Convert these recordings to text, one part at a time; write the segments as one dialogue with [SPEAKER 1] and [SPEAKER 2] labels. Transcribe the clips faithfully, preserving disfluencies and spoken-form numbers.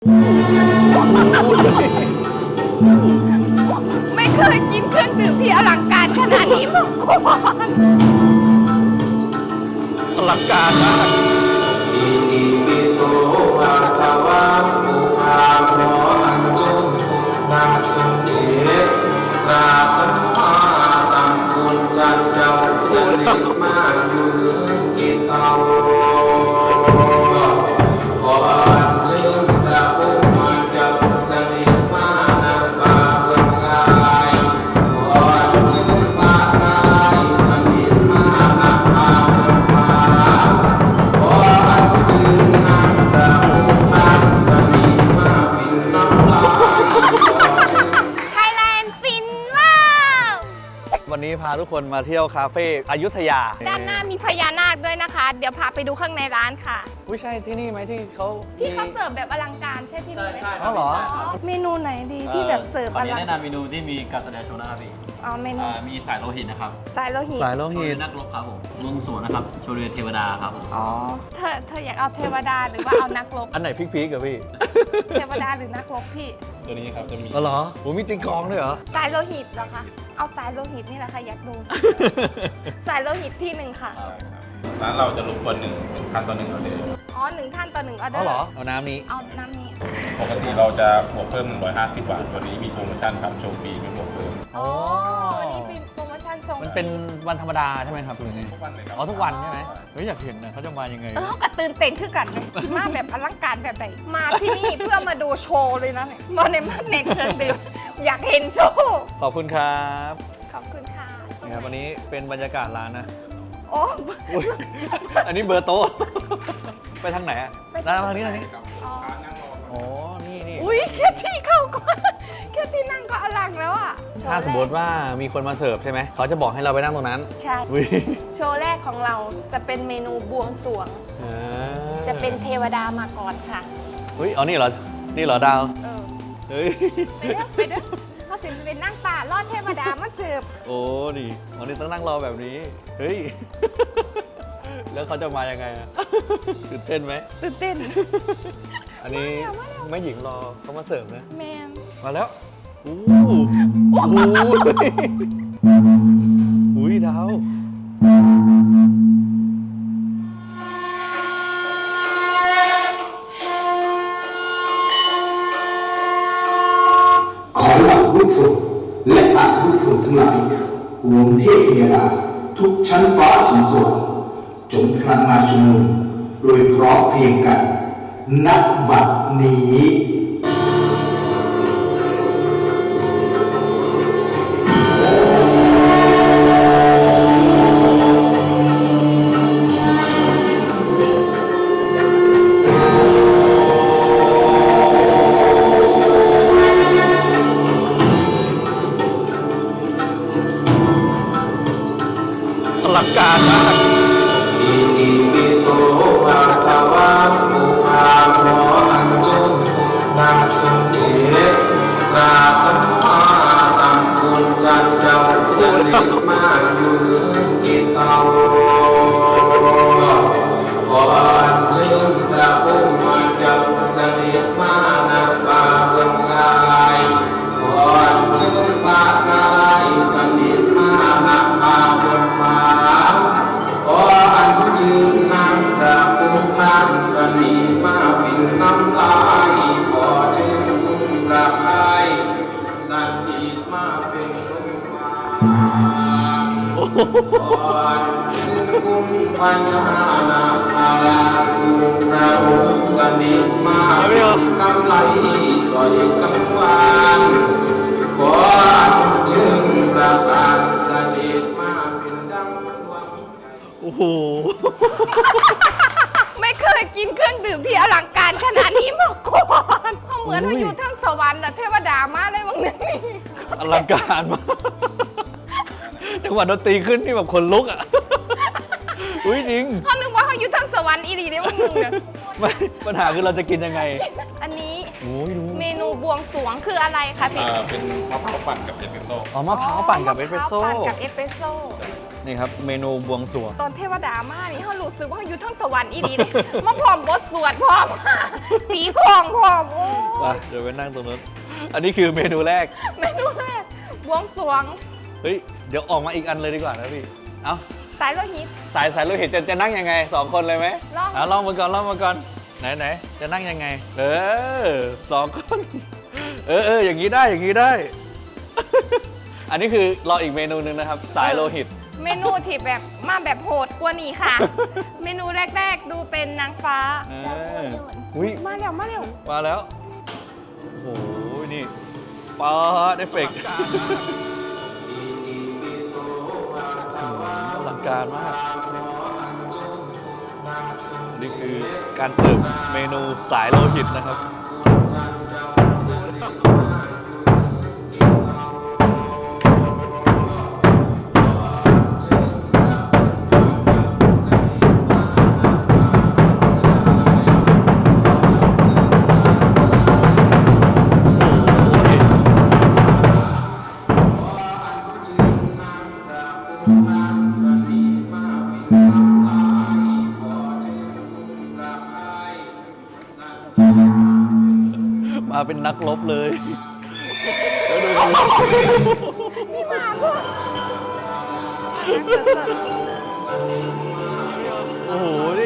[SPEAKER 1] ไม่เคยกินเครื่องดื่มที่อลังการขนาดนี้มาก่อน
[SPEAKER 2] อลังการมากอิติปิโสภะคะวะปุถาโมอันตุนาสุเดนาสัมมาสัมพุทธัสสะสนิมายุกิตาโวขออัญเชิญพระผู้มาจากสนิมานับปาเกิดสายขออัญเชิญพระนายสนิมานับปาเกิดมาขออัญเชิญนางพระผู้มาสนิมาปินน้ำลาย
[SPEAKER 1] ไทยแลนด์ฟินว้าว
[SPEAKER 3] วันนี้พาทุกคนมาเที่ยวคาเฟ่อยุธยา
[SPEAKER 1] ด้านหน้ามีพญานาคด้วยนะคะ เดี๋ยวพาไปดูข้างในร้านค่ะ
[SPEAKER 3] อุ้ยใช่ที่นี่ไหมที่เขา
[SPEAKER 1] ที่เขาเสิร์ฟแบบอลังการใช่ที่นี่ไหม
[SPEAKER 4] ใช่
[SPEAKER 3] อ๋อเหรอ
[SPEAKER 1] เมนูไหนดีที่แบบเสิร์ฟ
[SPEAKER 4] วั
[SPEAKER 1] อน
[SPEAKER 4] นี้
[SPEAKER 1] ลัง
[SPEAKER 4] แนะนำเมนูที่มีการแสดงโชว์นะครับพี่
[SPEAKER 1] อ๋อเมนู
[SPEAKER 4] อ่ามีสายโลหิตนะครับ
[SPEAKER 1] สายโลหิต
[SPEAKER 3] สายโล
[SPEAKER 4] โช
[SPEAKER 3] หิ
[SPEAKER 4] ว์
[SPEAKER 3] ต
[SPEAKER 4] เรือนักรบครับผมวงสวนนะครับโชว์เรือเทวดาครับผม
[SPEAKER 1] อ๋อเธอเธออยากเอาเทวดาหรือว่าเอานักรบ
[SPEAKER 3] อันไหนพีคๆกับพี่
[SPEAKER 1] เทวดาหรือนักรบพี่
[SPEAKER 4] ตัวนี้ครับจะมี
[SPEAKER 3] อ๋อเหรอโหมีตีกลองด้วยเหรอ
[SPEAKER 1] สายโลหิตเหรอคะเอาสายโลหิตนี่แหละค่ะอยากดู สายโลหิตที่หนึ่งค่ะ
[SPEAKER 5] ร้านเราจะรบกวนหนึ่งหนึ่งท่านต่อหนึ่งออเดอร์
[SPEAKER 1] อ๋อหนึ่งท่านต่อหนึ่งออเดอ
[SPEAKER 3] อ๋อ
[SPEAKER 1] ร์
[SPEAKER 3] เหรอเอาน้ำนี้
[SPEAKER 1] เอาน้ำนี้
[SPEAKER 5] ปกติเราจะบวกเพิ่มหนึ่งร้อยห้าสิบบาทวันนี้มีโปรโมชั่นครับโชว์ฟรีไม่บวกเพิ่ม
[SPEAKER 1] อ๋อนี่เป็นโปรโมชั่นส่ง
[SPEAKER 3] มันเป็นวันธรรมดาใช่ไหมครับคุณนี่
[SPEAKER 5] ทุกวันเลยครับ
[SPEAKER 3] อ๋อทุกวันใช่ไหมเฮ้ยอยากเห็นนะเขาจะมายังไง
[SPEAKER 1] เออเขากระตื่นเต้นขึ้นกันเลยสิมาแบบอลังการแบบไหนมาที่นี่เพื่อมาดูโชว์เลยนะเนี่ยมาในมาเน็ตเครื่องดื่มอยากเห็นโชว์
[SPEAKER 3] ขอบคุณครับ
[SPEAKER 1] ขอบคุณค่ะ
[SPEAKER 3] นะครับวันนี้เป็นบรรยากาศร้านนะ
[SPEAKER 1] โอ้
[SPEAKER 3] อุ๊ยอันนี้เบอร์โต๊ะ ไปทางไหนอะร้านทางนี้ทางนี้
[SPEAKER 1] อ๋อ
[SPEAKER 3] อ๋อนี่นี่
[SPEAKER 1] อุ้ยแค่ที่เข้าก็แค่ที่นั่งก็อลังแล้วอ่ะ
[SPEAKER 3] ถ้าสมมติว่ามีคนมาเสิร์ฟใช่ไหมเขาจะบอกให้เราไปนั่งตรงนั้น
[SPEAKER 1] ใช่
[SPEAKER 3] อุ๊ย
[SPEAKER 1] โชว์แรกของเราจะเป็นเมนูบวงสรวง
[SPEAKER 3] อ่า
[SPEAKER 1] จะเป็นเทวดามาก่อนค่ะ
[SPEAKER 3] เฮ้ยเอานี่เหรอ นี่เหรอดาว
[SPEAKER 1] เออ
[SPEAKER 3] เฮ้ย
[SPEAKER 1] ไปเด้อไปเด้อเขาถึงจะเป็นนั่งป่ารอดเทวดามาเสิร์ฟ
[SPEAKER 3] โอ้ดิวันนี้ต้องนั่งรอแบบนี้ เฮ้ย แล้วเขาจะมายังไงอะตื่นเต้นไหม
[SPEAKER 1] ตื่นเต้น
[SPEAKER 3] อันนี้
[SPEAKER 1] มาแล้ว
[SPEAKER 3] แม่หญิงรอเขามาเสิร์ฟนะ
[SPEAKER 1] แมน
[SPEAKER 3] มาแล้วอู้โอ้โหอุ้ยดาว
[SPEAKER 6] ขอเหล่าผู้ฝึกและอาผู้ฝึกทั้งหลายรวมเทพเทวาทุกชั้นฟ้าสูงสวรรค์จงพลันมาชุมนุมโดยพร้อมเพรียงกันณบัดนี้
[SPEAKER 3] อลังการมาก
[SPEAKER 2] อิติปิโสภะคะวะปุถาโมอันตุนาสุเดนาสัมมาสัมพุทธัสสะสนิมายุกิตาโวขออัญเชิญพระผู้มาจากสนิมานับปาเกิดสายขออัญเชิญพระนายสนิมานับปาเกิดมาขออัญเชิญนางพระผู้พันสนิมาปินน้ำลายขอเชิญคุณพระพายสนิมาเป็นลมหายขออัญเชิญคุณปัญญานาคาราคุณพระองค์สนิมาเป็นกำไลสอยสังวานขออัญเชิญพระบาทเสด็จมาเป็นดังหวังใจ
[SPEAKER 3] โอ้โห
[SPEAKER 1] ไม่เคยกินเครื่องดื่มที่อลังการขนาดนี้มาก่อนเหมือนเราอยู่ทั้งสวรรค์อะเทวดามาเลยวังนึงนี่
[SPEAKER 3] อลังการมาก จังหวะดนตรีขึ้นนี่แบบขนลุกอ่ะ อุ้ยจริง
[SPEAKER 1] เขานึกว่าเขาอยู่ทั้งสวรรค์อีดีเนี่ยวังนึงเนี่ย
[SPEAKER 3] ไม่ปัญหาคือเราจะกินยังไง
[SPEAKER 1] อันนี้
[SPEAKER 3] โอ้ยดู
[SPEAKER 1] เมนูบวงสรวงคืออะไรคะพี่
[SPEAKER 5] อ่าเป็นมะพร้าวปั่นกับเอสเปรสโซ่
[SPEAKER 3] อ๋อมะพร้าวปั่นกับเอสเปรสโซ่
[SPEAKER 1] มะพร้าวปั่นกับเอสเปรสโซ่
[SPEAKER 3] นี่ครับเมนูบวงสรวง
[SPEAKER 1] ตอนเทวดามานี่เขารู้สึกว่าเขาอยู่ทั้งสวรรค์อีดีเลยมาพร้อมบทสวดพร้อมตีของพร้อมโอ้
[SPEAKER 3] ไปเดี๋ยวไปนั่งตรงนู้นอันนี้คือเมนูแรก
[SPEAKER 1] เมนูแรกบวงสรวง
[SPEAKER 3] เฮ้ยเดี๋ยวออกมาอีกอันเลยดีกว่านะพี่เอ้า
[SPEAKER 1] สายโลหิต
[SPEAKER 3] สายสายเราเห็นจะจะนั่งยังไงสองคนเลยไหม
[SPEAKER 1] ลอง
[SPEAKER 3] อ่ะลองมาก่อนลองมาก่อนไหนไหนจะนั่งยังไง เออสองคน เออเอออย่างนี้ได้อย่างนี้ได้ อันนี้คือรออีกเมนูหนึ่งนะครับ สายโลหิต
[SPEAKER 1] เมนูที่แบบมาแบบโหดกว่านี้ค่ะ เมนูแรก ๆ ดูเป็นนางฟ้า
[SPEAKER 3] เอออุ้ย
[SPEAKER 1] มาเร็วมาเร็ว
[SPEAKER 3] มาแล้ว โอ้โห นี่ปาดเอฟเฟกต์อลังการมาก นี่คือการเสิร์ฟเมนูสายโลหิตนะครับ มาเป็นนักรบเลยแล้วดูกัน
[SPEAKER 1] นี่มาพวก
[SPEAKER 3] โอ้โห นี่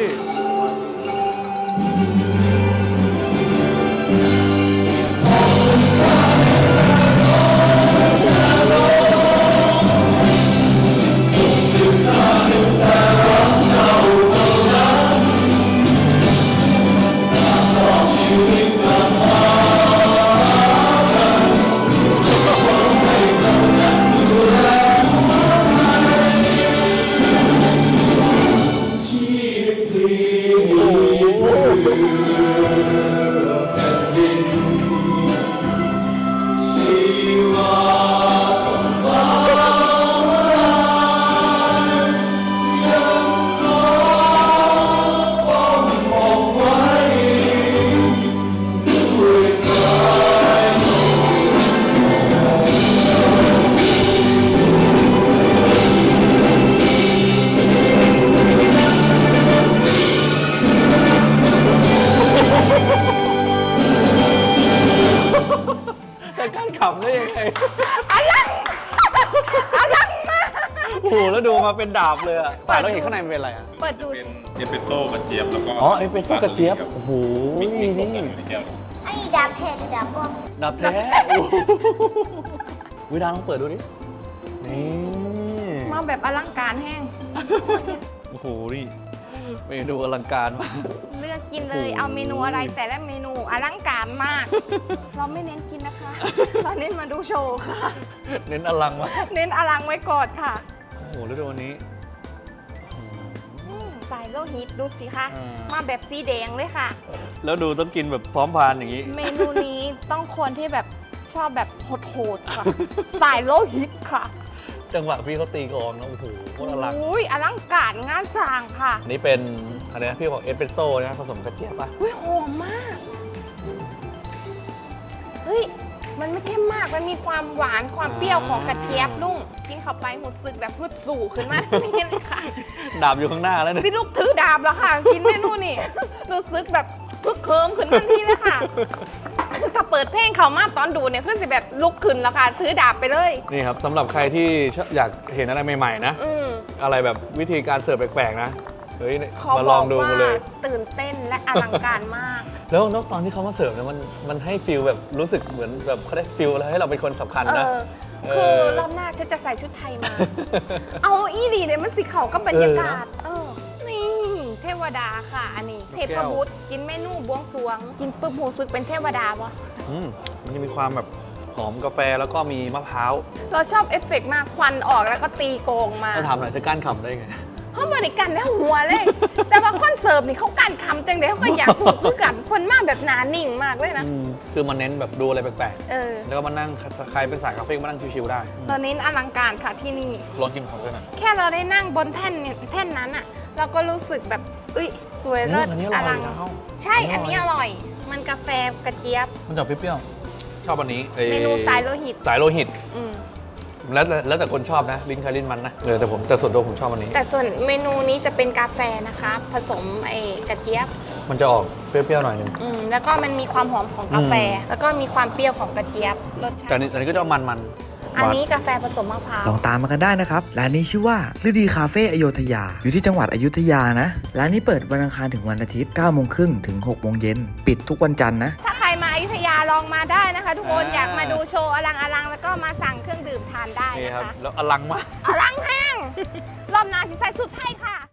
[SPEAKER 3] แต่การขำได้ยังไง
[SPEAKER 1] อะไรอะไรมา
[SPEAKER 3] โอ้โห แล้วดูมาเป็นดาบเลยอะสายเราเห็นข้างในมันเป็นอะไรอะ
[SPEAKER 1] เปิดดู
[SPEAKER 5] เป็
[SPEAKER 1] สิ
[SPEAKER 5] นเอสเปรสโซ่กระเจี๊ยบแล้วก็
[SPEAKER 3] อ๋อเอสเปรสโซ่กระเจี๊ยบ โอ้โห
[SPEAKER 5] มีมี
[SPEAKER 3] นี่
[SPEAKER 5] นี่ในแก้ว
[SPEAKER 7] ไอ้ดาบแทนดาบป้อม
[SPEAKER 3] ดาบแท้โอ้โหวิดาลองเปิดดูดิ นี่
[SPEAKER 1] มาแบบอลังการแห้ง
[SPEAKER 3] โอ้โห นี่ เมนูอลังการมาก
[SPEAKER 1] เลือกกินเลย
[SPEAKER 3] โอ้โห
[SPEAKER 1] เอาเมนูอะไรแต่ละเมนูอลังการมาก เราไม่เน้นกินนะคะ เราเน้นมาดูโชว์ค่ะ
[SPEAKER 3] เน้นอลังมาก
[SPEAKER 1] เน้นอลังไว้ก่อนค่ะ
[SPEAKER 3] โอ้โห แล้วดูวันนี้
[SPEAKER 1] อืมสายโลหิตดูสิคะ
[SPEAKER 3] อ่าม
[SPEAKER 1] มาแบบสีแดงเลยค่ะ
[SPEAKER 3] แล้วดูต้องกินแบบพร้อมพานอย่างนี้
[SPEAKER 1] เมนูนี้ต้องคนที่แบบชอบแบบโหดๆค่ะ สายโลหิตค่ะ
[SPEAKER 3] จังหวะพี่เขาตีกลองนะโอ้โหโคตรอลัง
[SPEAKER 1] อุ้ยอลังการงานสร้างค่ะ
[SPEAKER 3] อันนี้เป็นอะไรนะพี่บอกเอสเปรสโซ่นะผสมกระเจี๊ยบป่ะ
[SPEAKER 1] อุ้ยหอมมาก เฮ้ย มันไม่เข้มมาก มันมีความหวานความเปรี้ยวของกระเจี๊ยบลุงกินเข้าไปหมดสึกแบบพืดสู่ขึ้นมา นี่เลยค่ะ
[SPEAKER 3] ดาบอยู่ข้างหน้าแล้วเนี่ย
[SPEAKER 1] พี่ลูกถือดาบแล้วค่ะ กินเมนูนี่รู้สึกแบบพึกเคิมขึ้นทันทีเลยค่ะถ้าเปิดเพลงเขามาตอนดูเนี่ยคือสิแบบลุกขึ้นแล้วค่ะ ถือดาบไปเลย
[SPEAKER 3] นี่ครับสำหรับใครที่ชอบอยากเห็นอะไรใหม่ๆนะ
[SPEAKER 1] อืม
[SPEAKER 3] อะไรแบบวิธีการเสิร์ฟแปลกๆนะ เฮ้ย
[SPEAKER 1] ขอ
[SPEAKER 3] มา
[SPEAKER 1] บ
[SPEAKER 3] ล
[SPEAKER 1] อ
[SPEAKER 3] อง
[SPEAKER 1] ก
[SPEAKER 3] ดู
[SPEAKER 1] ว่า
[SPEAKER 3] มาเลย
[SPEAKER 1] ตื่นเต้นและอลังการมาก
[SPEAKER 3] แล้วนอกตอนที่เขามาเสิร์ฟเนี่ยมันมันให้ฟิลแบบรู้สึกเหมือนแบบเขาได้ฟิลแล้วให้เราเป็นคนสำคัญ
[SPEAKER 1] เอ
[SPEAKER 3] นะ
[SPEAKER 1] อ คือรอบหน้าฉันจะใส่ชุดไทยมา เอาอีดีเนี่ยมันสีเขาก็บรรยากาศ เออ นี่ เทวดาค่ะ อันนี้ เทพบุตรกินเมนูบวงสรวง กินปุ๊บหูซึกเป็นเทวดาวะ
[SPEAKER 3] อืมมันจะมีความแบบหอมกาแฟแล้วก็มีมะพร้าว
[SPEAKER 1] เราชอบเอฟเฟกต์มากควันออกแล้วก็ตีโกงมา
[SPEAKER 3] ถ้าถามหน่อยจะก้านขำได้ไง
[SPEAKER 1] เขาบริการได้หัวเลย แต่ว่าคนเสิร์ฟนี่เขาการคำจังเลยเขาก็อยากถูกคือกัน คนมากแบบหนานิ่งมากเลยนะ
[SPEAKER 3] อืมคือมันเน้นแบบดูอะไรแปลก
[SPEAKER 1] เออ
[SPEAKER 3] ๆ แล้วก็มานั่งใครเป็นสายคาเฟ่ก็มานั่งชิวๆได้
[SPEAKER 1] เราเน้นอลังการค่ะที่นี่
[SPEAKER 3] ลองกินของด้วยหน่อย
[SPEAKER 1] แค่เราได้นั่งบนแท่นเนี่ยแท่นนั้นอะเราก็รู้สึกแบบเอ้ยสวยเลิศ
[SPEAKER 3] อืมอันนี้อร่อย
[SPEAKER 1] ลัง
[SPEAKER 3] นะ
[SPEAKER 1] ใช่
[SPEAKER 3] อั
[SPEAKER 1] อั
[SPEAKER 3] น
[SPEAKER 1] น
[SPEAKER 3] นี้
[SPEAKER 1] นี้
[SPEAKER 3] อ
[SPEAKER 1] อ
[SPEAKER 3] ร่
[SPEAKER 1] ร่
[SPEAKER 3] อ
[SPEAKER 1] อย ย มันกาแฟกระเจี๊ยบ
[SPEAKER 3] มันจะเปรี้ยวๆชอบอันนี้อ้
[SPEAKER 1] เมนูสายโลหิต
[SPEAKER 3] สายโลหิต
[SPEAKER 1] อืม
[SPEAKER 3] มแล้วแต่แล้วแต่คนชอบนะลิ้นใครลิ้นมันนะเออแต่ผมแต่ส่วนตัวผมชอบอันนี้
[SPEAKER 1] แต่ส่วนเมนูนี้จะเป็นกาแฟนะคะ ผสมไอ้กระเจี๊ยบ
[SPEAKER 3] มันจะออกเปรี้ยวๆหน่อยนึง
[SPEAKER 1] อืมแล้วก็มันมีความหอมของกาแฟ แล้วก็มีความเปรี้ยวของกระเจี๊ยบรสชา
[SPEAKER 3] แต่อัน
[SPEAKER 1] ติ
[SPEAKER 3] นี้อันนี้ก็จะมันมัน
[SPEAKER 1] อันนี้กาแฟผสมมะพร้าว
[SPEAKER 8] ลองตามมากันได้นะครับ ร้านนี้ชื่อว่าฤดีคาเฟ่อโยธยา อยู่ที่จังหวัดอยุธยานะ ร้านนี้เปิดวันอังคารถึงวันอาทิตย์เก้าโมงครึ่งถึงหกโมงเย็น ปิดทุกวันจันทร์นะ
[SPEAKER 1] ถ้าใครมาอยุธยาลองมาได้นะคะ ทุกคนอยากมาดูโชว์อลังอลังแล้วก็มาสั่งเครื่องดื่มทานได้
[SPEAKER 3] นี่
[SPEAKER 1] นะ
[SPEAKER 3] ครับ
[SPEAKER 1] คะ
[SPEAKER 3] แล้วอลังมาก
[SPEAKER 1] อลังแห้งรอบหนาสิใส่สุดไทยค่ะ